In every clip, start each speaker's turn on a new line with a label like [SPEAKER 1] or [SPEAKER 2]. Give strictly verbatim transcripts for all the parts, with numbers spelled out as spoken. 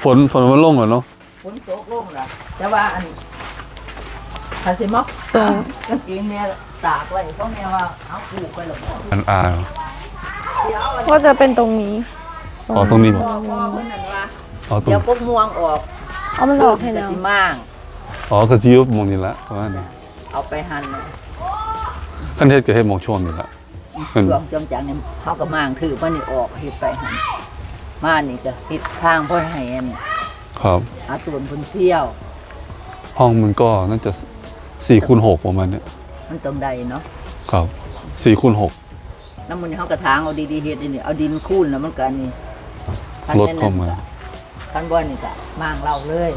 [SPEAKER 1] ฝนฝนมันลงเหรอเนาะ
[SPEAKER 2] ฝนตกลงล่ะแต่ว่าอันคันสิมักส่งกางเกงเนี่ยตากไว้เพราะแม่ว่าเอาปลูกไปหรอก
[SPEAKER 1] อันอ่า
[SPEAKER 3] ก็จะเป็นตรงนี้
[SPEAKER 1] อ๋อตรงนี้บอก
[SPEAKER 2] อ๋อเดี๋ยวพวกม่วงออก
[SPEAKER 3] เอามันออกให้แล้ว
[SPEAKER 2] สิมั่ง
[SPEAKER 1] อ๋อกระซิบมองนี่ละเพราะว่านี่
[SPEAKER 2] เอาไปหั่น
[SPEAKER 1] ขั้นเทศก็ให้มองช่วงนี่ละ
[SPEAKER 2] ช่วงจังจังเนี่ยเขาก็มั่งถือมันนี่ออกเฮ็ดไปหั่นมานี่ก็ติดทางพ่อให้อัน
[SPEAKER 1] ครับ
[SPEAKER 2] อาตุนเพิ่นเที่ยว
[SPEAKER 1] ห้องมันก็น่าจะสี่คูณหกประมาณเนี้ย
[SPEAKER 2] มันตรงใดเนาะ
[SPEAKER 1] ครับสี่คูณหก
[SPEAKER 2] น้ำมันเขากระถางเอาดีๆเฮ็ดนี่เอาดินคูนแล้วมันก็นี่
[SPEAKER 1] รถเข้ามา
[SPEAKER 2] คันบ่นี่ก็มางเราเลย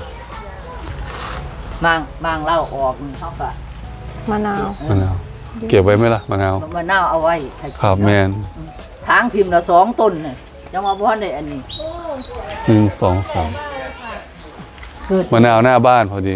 [SPEAKER 2] มางมางเล่าออกเขาก็
[SPEAKER 3] มะนาว
[SPEAKER 1] มะนาวเก็บไว้ไหมล่ะมะนาว
[SPEAKER 2] มะนาวเอาไว้
[SPEAKER 1] ครับแมน
[SPEAKER 2] ทางทิมละสองต้นเนี่ยจะมาพ่อในอันนี้
[SPEAKER 1] หนึ่งสองสามมะนาวหน้าบ้านพอดี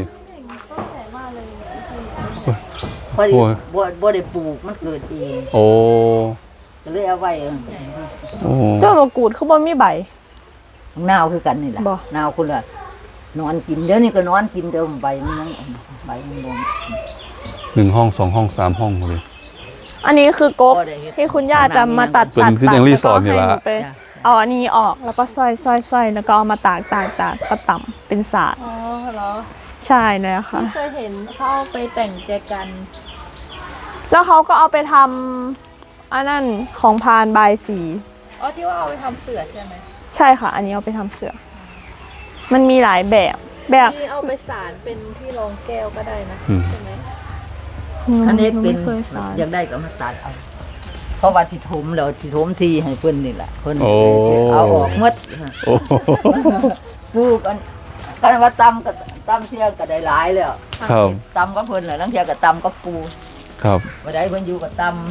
[SPEAKER 2] พอดีบ่บ่ได้ปลูกมันเกิดเอง
[SPEAKER 1] โอ้
[SPEAKER 2] ก็เลยเอาไว้
[SPEAKER 3] โอ้เจ้ามะกรูดเขาบ่มีใบ
[SPEAKER 2] นาวคือกันนี่แหละนาวคนละนอนกินเดี๋ยวนี้ก็นอนกินเดิมใบมันยังใบมันบวม
[SPEAKER 1] หนึ่งห้องสองห้องสามห้องเลย
[SPEAKER 3] อันนี้คือกกที่คุณย่าจะมาตัดตัด
[SPEAKER 1] ตัดแล้วก็ให้หนู
[SPEAKER 3] ไปเอาอันนี้ออกแล้วก็ซอยซอยซอยแล้วก็เอามาตากตากตากก็ต่ำเป็นสาด
[SPEAKER 4] อ๋อเหรอ
[SPEAKER 3] ใช่เลยค่ะ
[SPEAKER 4] เคยเห็นเขาเอาไปแต่งแจกัน
[SPEAKER 3] แล้วเขาก็เอาไปทำอันนั้นของพานบายสี
[SPEAKER 4] อ๋อที่ว่าเอาไปทำเสือใช่ไหม
[SPEAKER 3] ใช่ค่ะอันนี้เอาไปทำเสือมันมีหลายแบบแบบ
[SPEAKER 4] ที่เอาไปสารเป็นที่รองแก้วก็ได้นะใช่ไหม
[SPEAKER 2] อันนี้เป็นอยากได้ก็มาตัดเอาเพราะว่าที่ถมแล้วที่ถมทีให้เพิ่นนี่แหละเพิ่นเอาออกหมดปลูกอันกันว่าตำกับตำเที่ยก็ได้หลายแล้วตำก็เพิ่นแหละลังเที่ยก็ตำก็ปู
[SPEAKER 1] ครับ
[SPEAKER 2] บ่ได้เพิ่นอยู่กับตำ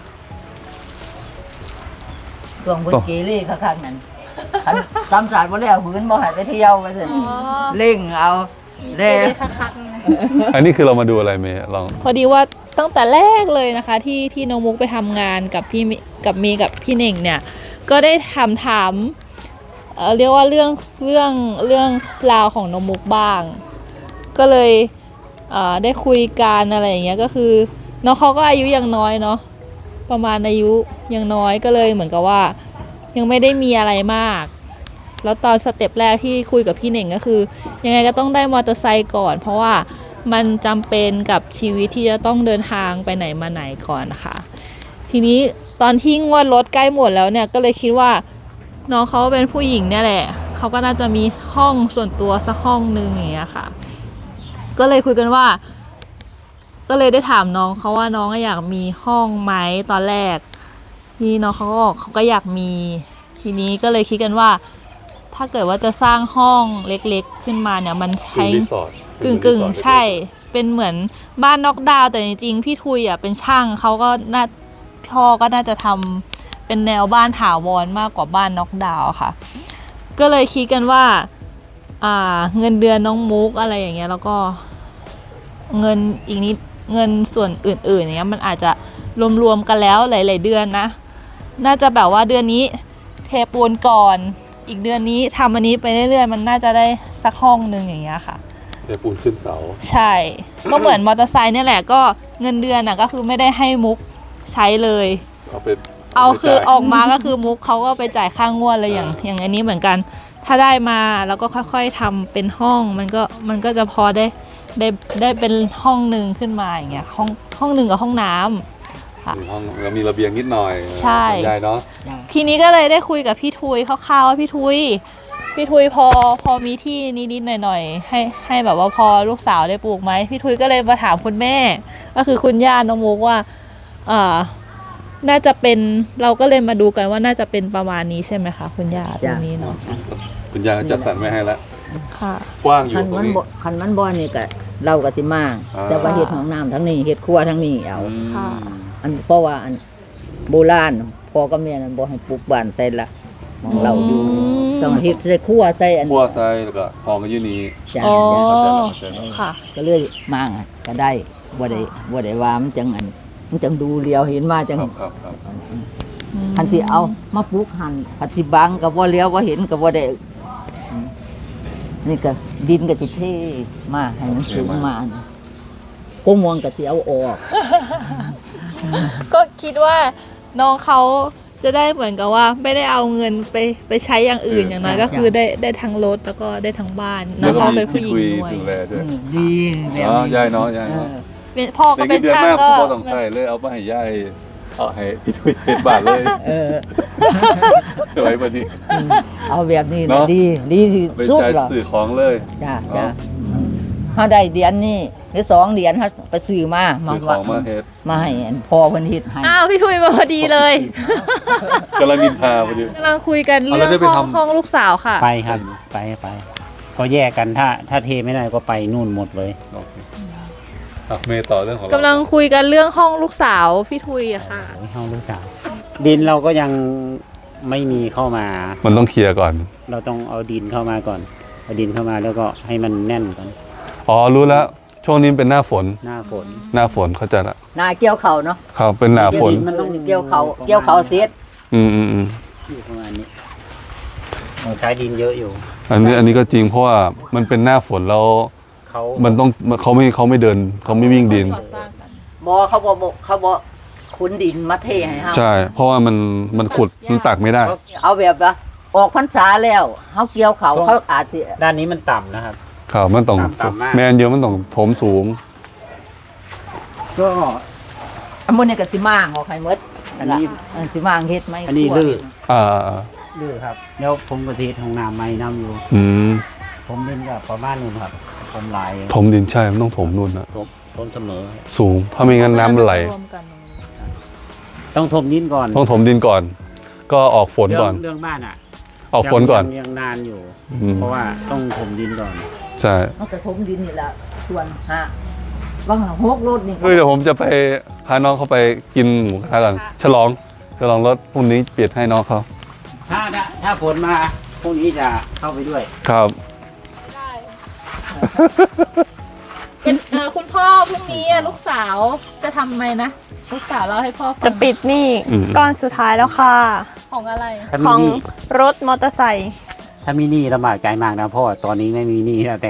[SPEAKER 2] ช่วงเพิ่นเกเรคักๆนั่นตำสาดบ่แล้วหืนบ่ให้ไปเที่ยวว่าซั่นเร่งเอาแล้
[SPEAKER 1] อันนี้คือเรามาดูอะไรเมย์ลอง
[SPEAKER 4] พอดีว่าตั้งแต่แรกเลยนะคะที่ที่น้องมุกไปทำงานกับพี่กับเมย์กับพี่เน่งเนี่ยก็ได้ถามถามเอ่อเรียกว่าเรื่องเรื่องเรื่องราวของน้องมุกบ้างก็เลยเอ่อได้คุยกันอะไรอย่างเงี้ยก็คือน้องเขาก็อายุยังน้อยเนาะประมาณอายุยังน้อยก็เลยเหมือนกับว่ายังไม่ได้มีอะไรมากแล้วตอนสเต็ปแรกที่คุยกับพี่เน่งก็คือยังไงก็ต้องได้มอเตอร์ไซค์ก่อนเพราะว่ามันจำเป็นกับชีวิตที่จะต้องเดินทางไปไหนมาไหนก่อนนะคะทีนี้ตอนที่งวดรถใกล้หมดแล้วเนี่ยก็เลยคิดว่าน้องเขาเป็นผู้หญิงเนี่ยแหละเขาก็น่าจะมีห้องส่วนตัวสักห้องนึงอย่างเงี้ยค่ะก็เลยคุยกันว่าก็เลยได้ถามน้องเขาว่าน้องอยากมีห้องไหมตอนแรกที่น้องเขาก็บอกเขาก็อยากมีทีนี้ก็เลยคิดกันว่าถ้าเกิดว่าจะสร้างห้องเล็กๆขึ้นมาเนี่ยมันใช้กึ่งกึ่งใช่เป็นเหมือนบ้านนอกดาวแต่จริงๆพี่ทุยอ่ะเป็นช่างเขาก็น่าพ่อก็น่าจะทำเป็นแนวบ้านถาวรมากกว่าบ้านนอกดาวค่ะก็เลยคิดกันว่าอ่าเงินเดือนน้องมุกอะไรอย่างเงี้ยแล้วก็เงินอีกนิดเงินส่วนอื่นๆอย่างเงี้ยมันอาจจะรวมๆกันแล้วหลายๆเดือนนะน่าจะแบบว่าเดือนนี้เทปูนก่อนอีกเดือนนี้ทำอันนี้ไปเรื่อยๆมันน่าจะได้สักห้องนึงอย่างเงี้ยค่ะ
[SPEAKER 1] เทปูนขึ้นเสา
[SPEAKER 4] ใช่ก็เหมือนมอเตอร์ไซค์เนี่ยแหละก็เงินเดือนน่ะก็คือไม่ได้ให้มุกใช้เลย
[SPEAKER 1] เอาไป
[SPEAKER 4] เอาคือออกมาก็คือมุกเขาก็ไปจ่ายค่างวดเลยอย่างอย่างอันนี้เหมือนกันถ้าได้มาแล้วก็ค่อยๆทำเป็นห้องมันก็มันก็จะพอได้ได้ได้เป็นห้องนึงขึ้นมาอย่างเงี้ยห้องห้องนึงกับห้องน้ำ
[SPEAKER 1] ห้องเรามีระเบียงนิดหน่อย
[SPEAKER 4] ใช่
[SPEAKER 1] ใหญ่เนาะ
[SPEAKER 4] ทีนี้ก็เลยได้คุยกับพี่ทุยคร่าวๆว่าพี่ทุยพี่ทุยพอพอมีที่นิดๆหน่อยๆให้ให้แบบว่าพอลูกสาวได้ปลูกไหมพี่ทุยก็เลยมาถามคุณแม่ก็คือคุณย่าน้องมุกว่าอ่าน่าจะเป็นเราก็เลยมาดูกันว่าน่าจะเป็นประมาณนี้ใช่ไหมคะคุณย่าตรงนี้เนาะ
[SPEAKER 1] คุณย่าจัดสรรไว้ให้แล้ว
[SPEAKER 4] ค่ะ
[SPEAKER 1] กว้างอยู่
[SPEAKER 2] ตรงนี้คันมันบ่อนี่ก็เราก็สิมากแต่ว่าเฮ็ดของน้ำทั้งนี้เฮ็ดครัวทั้งนี้เอา
[SPEAKER 3] ค่ะ
[SPEAKER 2] อันเพราะว่าอันโบราณพ่อกับแม่นั้นบ่ให้ปลูกบ้านใส่ละของเราอยู่ต้องเฮ็ดใส่ครัวใส่อัน
[SPEAKER 1] ครัวใส่แล้วก็ห้องก็อยู่นี่
[SPEAKER 4] อ๋อค่ะ
[SPEAKER 2] ก็เลยมางก็ได้บ่ได้บ่ได้ว่ามันจังอันมันจังดูเลียวเห็นมาจังคันสิเอามาปลูกหั่นปฏิบังก็บ่เลียวบ่เห็นก็บ่ได้นี่ก็ดินก็สิเทมาให้มันสูงมาก้มวงก็สิเอาออก
[SPEAKER 4] ก็คิดว่าน้องเขาจะได้เหมือนกับว่าไม่ได้เอาเงินไปไปใช้อย่างอื่นอย่างน้อยก็คือได้ได้ทั้งรถแล้วก็ได้ทั้งบ้านน้องเขาเป็นผู้หญิงด้วย
[SPEAKER 1] ดูแลด้วย
[SPEAKER 2] ดีแบบ
[SPEAKER 1] อ๋อ
[SPEAKER 2] นี้
[SPEAKER 1] ยายเนาะยายเนาะ
[SPEAKER 4] เป็นพ่อก็เป็น
[SPEAKER 1] เดือน
[SPEAKER 4] ช่าง
[SPEAKER 1] แม่
[SPEAKER 4] ก็
[SPEAKER 1] พ่อต้องใส่เลยเอาไปให้ยายเอาให้พี่ทุยเฮ็ดบาทเลย
[SPEAKER 2] เออ
[SPEAKER 1] ไว้บัดนี้
[SPEAKER 2] เอาแบบนี้
[SPEAKER 1] เนาะ
[SPEAKER 2] ดีดีที่
[SPEAKER 1] เป็น
[SPEAKER 2] สุด
[SPEAKER 1] ใจ
[SPEAKER 2] หรอ
[SPEAKER 1] สื่อของเลย
[SPEAKER 2] จ้าจ้าถ้าได้เดือนนี้หรือสองเดือนถ้าไปซื้อมามา
[SPEAKER 1] สื่อของมาเฮ็ด
[SPEAKER 2] มาให้อันพ่อเพิ่นเฮ็ดให้
[SPEAKER 4] อ้าวพี่ทุยมาพอดีเลย
[SPEAKER 1] กำลังนินทาพอดี
[SPEAKER 4] กำลังคุยกัน
[SPEAKER 1] เอา
[SPEAKER 4] เรื่
[SPEAKER 1] แล้
[SPEAKER 4] อ
[SPEAKER 1] วได้
[SPEAKER 4] ง
[SPEAKER 1] ไป
[SPEAKER 4] ห้อง
[SPEAKER 1] ทำ
[SPEAKER 4] ห้องลูกสาวค่ะ
[SPEAKER 5] ไปครับไปไปก็แยกกันถ้าถ้าเทไม่ได้ก็ไปนู่นหมดเลย
[SPEAKER 1] โอเคอ่ะเมย์ต่อเรื่องของเรา
[SPEAKER 4] กำลังคุยกันเรื่องห้องลูกสาวพี่ทุยอะค่ะ
[SPEAKER 5] โอ้ยห้องลูกสาวดินเราก็ยังไม่มีเข้ามา
[SPEAKER 1] มันต้องเคลียร์ก่อน
[SPEAKER 5] เราต้องเอาดินเข้ามาก่อนเอาดินเข้ามาแล้วก็ให้มันแน่นก่อน
[SPEAKER 1] อ๋อรู้แล้วช่วงนี้เป็นหน้าฝน
[SPEAKER 5] หน้าฝน
[SPEAKER 1] หน้าฝนเข้าใจละ
[SPEAKER 2] หน้าเกี่ยวเขาเนาะ
[SPEAKER 1] ครับเป็นหน้าฝน
[SPEAKER 2] มันต้องเกี่ยวเขาเกี่ยวเขาเสียด
[SPEAKER 1] อืมอืมอืม
[SPEAKER 5] อยู่ประมาณนี้เราใช้ดินเยอะอยู่
[SPEAKER 1] อันนี้อันนี้ก็จริงเพราะว่ามันเป็นหน้าฝนแล้ว
[SPEAKER 5] เขา
[SPEAKER 1] มันต้องเขาไม่เขาไม่เดินเขาไม่วิ่งดิน
[SPEAKER 4] ก่อสร้างกัน
[SPEAKER 2] บ่เขาบ่บ่เขาบ่ขุนดินมาเทให้เฮา
[SPEAKER 1] ใช่ เพราะว่ามันมันขุดมันตักไม่ได้
[SPEAKER 2] เอาแบบว่าออกพรรษาแล้วเฮาเกี่ยวเขาเขาอาจสิ
[SPEAKER 5] ด้านนี้มันต่ำนะครับ
[SPEAKER 1] ครับมันต้อง
[SPEAKER 5] ต่ำมาก
[SPEAKER 1] แมนเยอะมันต้องถมสูง
[SPEAKER 5] ก็
[SPEAKER 2] อันมื้อนี้ก็สิมางออกให้หมด
[SPEAKER 5] อันนี้
[SPEAKER 2] อันสิมางเฮ็ดไหม
[SPEAKER 5] อันนี้ลื่น
[SPEAKER 1] อ่า
[SPEAKER 5] ดื้อครับแล้วผมก็เทห้องน้ำไม่น้ำอยู่
[SPEAKER 1] อืม
[SPEAKER 5] ผมดินกับประมาณนู้นครับผมหลาย
[SPEAKER 1] ถมดินใช่มันต้องถมนู่นนะ
[SPEAKER 5] ทมทมเสมอ
[SPEAKER 1] สูงถ้าไม่งั้นน้ำมันไหล
[SPEAKER 4] รวมกันตรงนี้
[SPEAKER 5] ต้องทมดินก่อน
[SPEAKER 1] ต้องถมดินก่อน ก็ออกฝน
[SPEAKER 5] เรื่
[SPEAKER 1] ก่อน
[SPEAKER 5] เรื่องบ้านอ่ะ
[SPEAKER 1] ออกฝนก่อน
[SPEAKER 5] ยังยังนานอยู่
[SPEAKER 1] อืม
[SPEAKER 5] เพราะว่าต้องถมดินก่อน
[SPEAKER 1] ใช่
[SPEAKER 2] เฮาก็ถมดินนี่ล่ะส่วนหาบางหกรถนี่
[SPEAKER 1] เฮ้ยเดี๋ยวผมจะไปพาน้องเขาไปกินหมูกระทะกันฉลองฉลองรถพรุ่งนี้เปลี่ยนให้น้องเขา
[SPEAKER 5] ถ้าถ้าถ้าฝนมาพรุ่งนี้จะเข้าไปด้วย
[SPEAKER 1] ครับ
[SPEAKER 4] ได้ เป็นเอ่อคุณพ่อพรุ่งนี้อะลูกสาวจะทำไมนะ ลูกสาวเล่าให้พ่อฟัง
[SPEAKER 3] จะปิดหนี่
[SPEAKER 1] อืม
[SPEAKER 3] ก้อนสุดท้ายแล้วค่ะ
[SPEAKER 4] ของอะไร
[SPEAKER 5] ถ้า
[SPEAKER 3] ข
[SPEAKER 5] มี
[SPEAKER 3] อง
[SPEAKER 5] หนี้
[SPEAKER 3] รถมอเตอร์ไซค์
[SPEAKER 5] ถ้ามีหนี้ลำบากใจมากนะพ่อตอนนี้ไม่มีหนี้แล้วแต่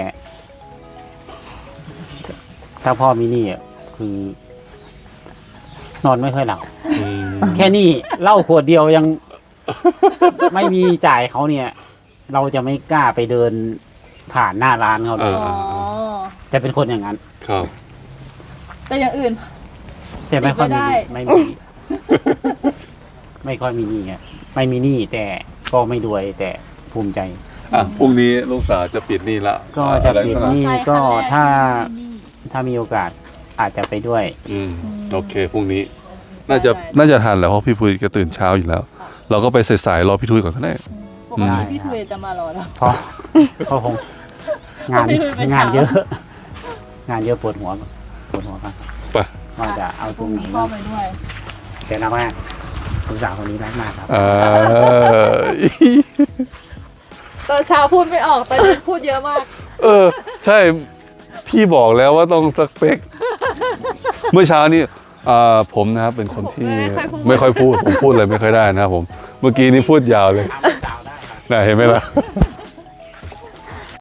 [SPEAKER 5] ถ้าพ่อมีหนี้อ่ะคือ นอนไม่ค่อยหลับแค่นี้เหล้าขวดเดียวยัง ไม่มีจ่ายเขาเนี่ย เราจะไม่กล้าไปเดินผ่านหน้าร้านเขาเลย
[SPEAKER 4] อ๋อ
[SPEAKER 5] จะเป็นคนอย่างนั้น
[SPEAKER 1] ครับ
[SPEAKER 4] แต่อย่างอื่น
[SPEAKER 5] แต่ไม่ค่อยมีหนี้
[SPEAKER 4] ไม่
[SPEAKER 5] ไม่
[SPEAKER 4] ได้
[SPEAKER 5] มี ไม่ค่อยมีหนี้ไงไม่มีหนี้แต่ก็ไม่รวยแต่ภูมิใจ
[SPEAKER 1] อ่ะพรุ่งนี้ลูกสาวจะปิดหนี่ละ
[SPEAKER 5] ก็จะปิดหนี้
[SPEAKER 4] ใช่
[SPEAKER 5] ก็
[SPEAKER 4] ขั้นแร
[SPEAKER 5] ถ้า
[SPEAKER 4] นี่
[SPEAKER 5] ถ้ามีโอกาสอาจจะไปด้วย
[SPEAKER 1] อืมโอเคพรุ่งนี้ น่าจะน่าจะทันแหล้วเพราะพี่พุยก็ตื่นเช้าอยู่แล้ว เราก็ไปสายๆรอพี่ทุยก่อนก็ได้
[SPEAKER 4] ปกติพี่ทุยจะมารอแล้ว
[SPEAKER 5] เพราะก็คงงาน
[SPEAKER 4] พี่ทุยไปเช้าง
[SPEAKER 5] านเยอะ งานเยอะปวดหัวปวดหัวครับ
[SPEAKER 1] ไป
[SPEAKER 5] ว่าจะเอาตรงไหน
[SPEAKER 4] พ่อ
[SPEAKER 5] เนาะ
[SPEAKER 4] ไปด้วย
[SPEAKER 5] แต่รักมากคุณสาวคนนี้รักมากครับ
[SPEAKER 1] เออ
[SPEAKER 4] ตอนเช้าพูดไม่ออกตอนเย็นพูดเยอะมาก
[SPEAKER 1] เออ ใช่พี่บอกแล้วว่าต้องสเปค เมื่อเช้านี้อ่าผมนะครับเป็นคนที่
[SPEAKER 4] ไม่
[SPEAKER 1] ไม่
[SPEAKER 4] ค่
[SPEAKER 1] ค่
[SPEAKER 4] อ
[SPEAKER 1] อย ย
[SPEAKER 4] พู
[SPEAKER 1] พู
[SPEAKER 4] ด
[SPEAKER 1] ดผมพูดอะไรไม่ค่อยได้นะครับผม เมื่อกี้นี้พูดยาวเลย
[SPEAKER 5] ถามสาวได้ครับ
[SPEAKER 1] น่ะเห็นไหมล่ะ